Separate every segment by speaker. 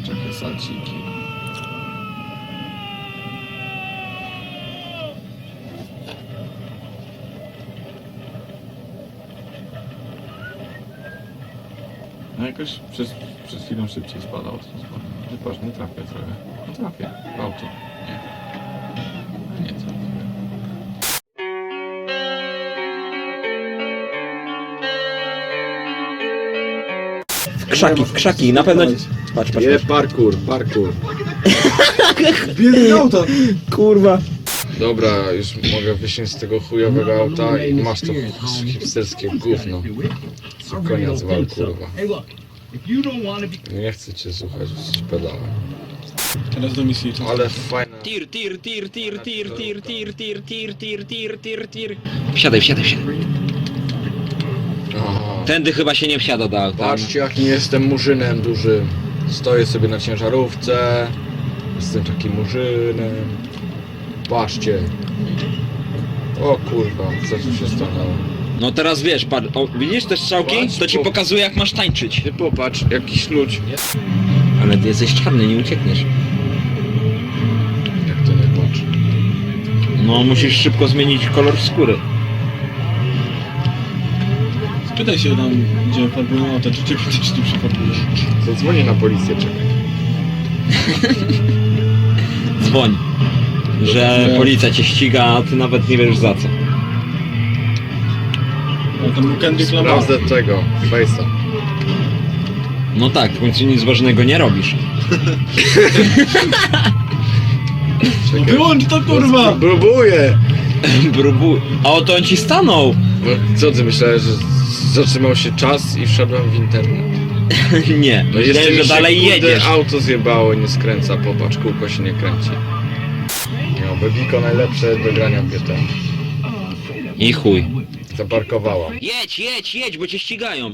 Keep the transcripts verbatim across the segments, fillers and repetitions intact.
Speaker 1: Jakie salciki. No jakoś przez, przez chwilę szybciej spadał. Że patrz, nie trafię trochę. Nie trafię w auto. Nie. Nie trafię.
Speaker 2: W krzaki, w krzaki, na pewno... Patrz, patrz,
Speaker 1: Nie,
Speaker 2: patrz.
Speaker 1: parkour, parkour.
Speaker 3: Biedny auto!
Speaker 2: Kurwa.
Speaker 1: Dobra, już mogę wysiąść z tego chujowego auta i masz to hipsterskie gówno. Koniec wal, kurwa. Nie chcę cię słuchać, jesteś pedałem.
Speaker 3: Teraz do misji.
Speaker 1: Ale fajna...
Speaker 2: Tir, tir, tir, tir, tir, tir, tir, tir, tir, tir, tir, tir, tir. Wsiadaj, wsiadaj, wsiadaj.
Speaker 1: Aha.
Speaker 2: Tędy chyba się nie wsiada do auta.
Speaker 1: Patrzcie, jaki jestem murzynem dużym. Stoję sobie na ciężarówce. Jestem takim murzynem. Patrzcie. O kurwa, co tu się stanęło?
Speaker 2: No teraz wiesz, patrz, o, widzisz te strzałki?
Speaker 1: Patrz,
Speaker 2: To ci
Speaker 1: po-
Speaker 2: pokazuje jak masz tańczyć.
Speaker 1: Ty popatrz, jakiś ludź.
Speaker 2: Ale ty jesteś czarny, nie uciekniesz.
Speaker 1: Jak to nie patrz?
Speaker 2: No musisz szybko zmienić kolor skóry.
Speaker 3: Spytaj się tam, gdzie farbują auto, czy ciebie też nie przyfarbuje.
Speaker 1: Zadzwonię na policję, czekaj.
Speaker 2: Dzwoń. Że policja cię ściga, a ty nawet nie wiesz za co.
Speaker 3: No tam był Kendrick Lamar.
Speaker 1: Sprawdzę tego, Face'a.
Speaker 2: No tak, w końcu nic ważnego nie robisz.
Speaker 3: No wyłącz to kurwa!
Speaker 1: Próbuję!
Speaker 2: Próbuj. A oto on ci stanął.
Speaker 1: No, co ty myślałeś, że zatrzymał się czas i wszedłem w internet?
Speaker 2: Nie,
Speaker 1: No
Speaker 2: myślałem,
Speaker 1: jeszcze mi
Speaker 2: że
Speaker 1: się,
Speaker 2: dalej
Speaker 1: kurde,
Speaker 2: jedziesz.
Speaker 1: auto zjebało, nie skręca, popatrz, kółko się nie kręci. No, Bebiko najlepsze do grania w G T.
Speaker 2: I chuj.
Speaker 1: Zaparkowała.
Speaker 2: Jedź, jedź, jedź, bo cię ścigają.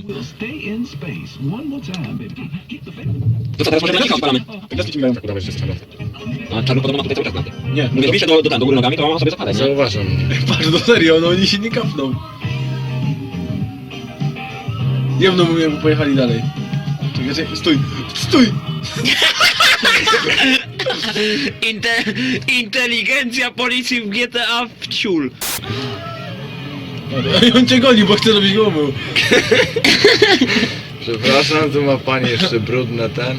Speaker 2: To co, teraz może na odpalamy?
Speaker 3: Teraz ci mają.
Speaker 1: Tak udawać się stanąć.
Speaker 2: A czarny podobno ma tutaj cały czas na
Speaker 3: Nie,
Speaker 2: Mówię, zbliż się do, do, do, do góry nogami, to mama sobie zapadać, nie?
Speaker 1: Zauważam mnie.
Speaker 3: patrz, no serio, no oni się nie kapną. Jemno mówię, jakby pojechali dalej. Czekaj, czekaj, stój! Stój!
Speaker 2: Inte, inteligencja policji w G T A w ciul.
Speaker 3: I on cię goni, bo chce, żebyś go umył.
Speaker 1: Przepraszam, tu ma pani jeszcze brudne ten.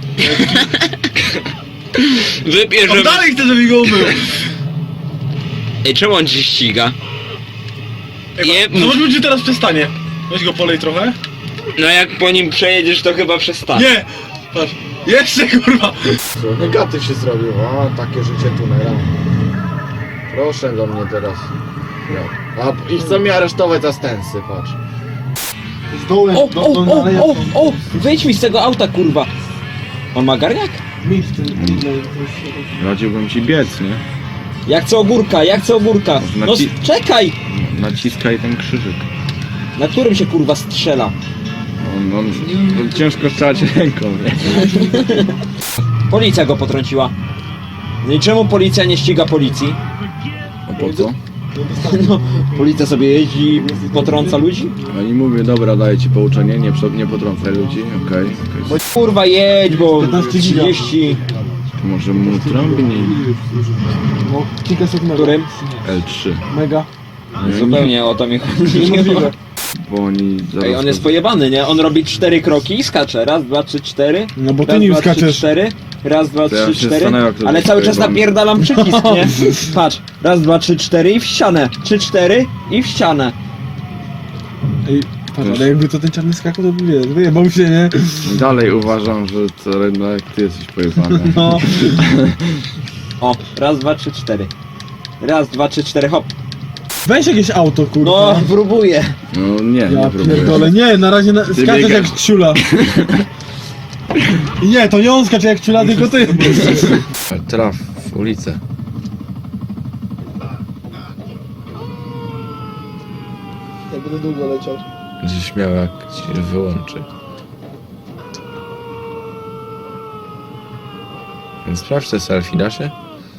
Speaker 2: Wypie,
Speaker 3: On
Speaker 2: że...
Speaker 3: dalej chce, żebyś go umył!
Speaker 2: Ej, czemu on cię ściga? Nie,
Speaker 3: Zobaczmy, czy teraz przestanie. Weź go polej trochę.
Speaker 2: no jak po nim przejedziesz, to chyba przestanie.
Speaker 3: Nie! Patrz, jeszcze kurwa!
Speaker 1: Negatyw się zrobił. O, takie życie tunela. Proszę do mnie teraz. No. A i chcą mnie aresztować za stęsy, patrz.
Speaker 3: Z dołem,
Speaker 2: O, o, o, o, o! Wyjdź mi z tego auta, kurwa! On ma garniak?
Speaker 4: Radziłbym ci biec, nie?
Speaker 2: Jak co ogórka, jak co ogórka!
Speaker 4: Może
Speaker 2: No
Speaker 4: naci-
Speaker 2: czekaj!
Speaker 4: Naciskaj ten krzyżyk.
Speaker 2: Na którym się kurwa strzela?
Speaker 4: On, on, on ciężko strzelać ręką, nie?
Speaker 2: Policja go potrąciła. No i czemu policja nie ściga policji?
Speaker 4: A po co?
Speaker 2: No, policja sobie jeździ i potrąca ludzi?
Speaker 4: No i mówię, dobra, daję ci pouczenie, nie, przo- nie potrącaj ludzi, okej.
Speaker 2: Bo
Speaker 4: Okay,
Speaker 2: kurwa jedź, bo trzydzieści...
Speaker 4: Może mu trąbnij.
Speaker 3: No, kilka sekund.
Speaker 2: Którym?
Speaker 4: L trzy.
Speaker 3: Mega.
Speaker 2: Zupełnie o to mi chodzi.
Speaker 3: Niemożliwe.
Speaker 4: Bo oni zaraz...
Speaker 2: Ej, on jest pojebany, nie? On robi cztery kroki i skacze. Raz, dwa, trzy, cztery.
Speaker 3: No bo ty
Speaker 2: Raz,
Speaker 3: nim
Speaker 2: dwa, trzy,
Speaker 3: skaczesz.
Speaker 2: cztery. Raz, dwa,
Speaker 4: To ja
Speaker 2: trzy,
Speaker 4: się
Speaker 2: cztery.
Speaker 4: zastanawiam, jak to
Speaker 2: Ale
Speaker 4: jest
Speaker 2: cały czas
Speaker 4: pojebany.
Speaker 2: napierdalam przycisk, nie? Patrz. Raz, dwa, trzy, cztery i w ścianę. Trzy, cztery i w ścianę.
Speaker 3: Ej, patrz, ale jakby to ten czarny skakał, to by wie, wyjebał się, nie?
Speaker 4: Dalej uważam, że to jednak ty jesteś pojebany.
Speaker 3: No.
Speaker 2: O, raz, dwa, trzy, cztery. Raz, dwa, trzy, cztery, hop.
Speaker 3: Weź jakieś auto, kurwa.
Speaker 2: No, próbuję.
Speaker 4: No nie,
Speaker 3: Ja
Speaker 4: nie próbuję.
Speaker 3: pierdolę, nie, na razie na, skaczesz
Speaker 4: biegasz.
Speaker 3: jak ciula. I nie, to nie on skacze jak ciula, tylko ty.
Speaker 1: Traf w ulicę.
Speaker 3: Ja będę długo leciał.
Speaker 1: Będziesz miał jak ci wyłączy. Więc sprawdź te selfie, da się?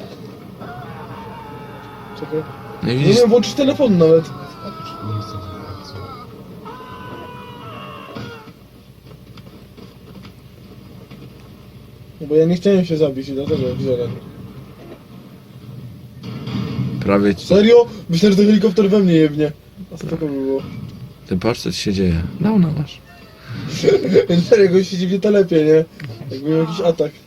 Speaker 3: Czekaj.
Speaker 1: No i
Speaker 3: Nie
Speaker 1: widzisz,
Speaker 3: wiem, włączyć telefon nawet. No bo ja nie chciałem się zabić i dlatego wziąłem.
Speaker 4: Prawie ci...
Speaker 3: Serio? Myślę, że ten helikopter we mnie jebnie. A co to by było?
Speaker 4: Ty patrz, co ci się dzieje. No, no masz.
Speaker 3: Serio, jak on się dziwnie to lepiej, nie? Jakby miał jakiś atak.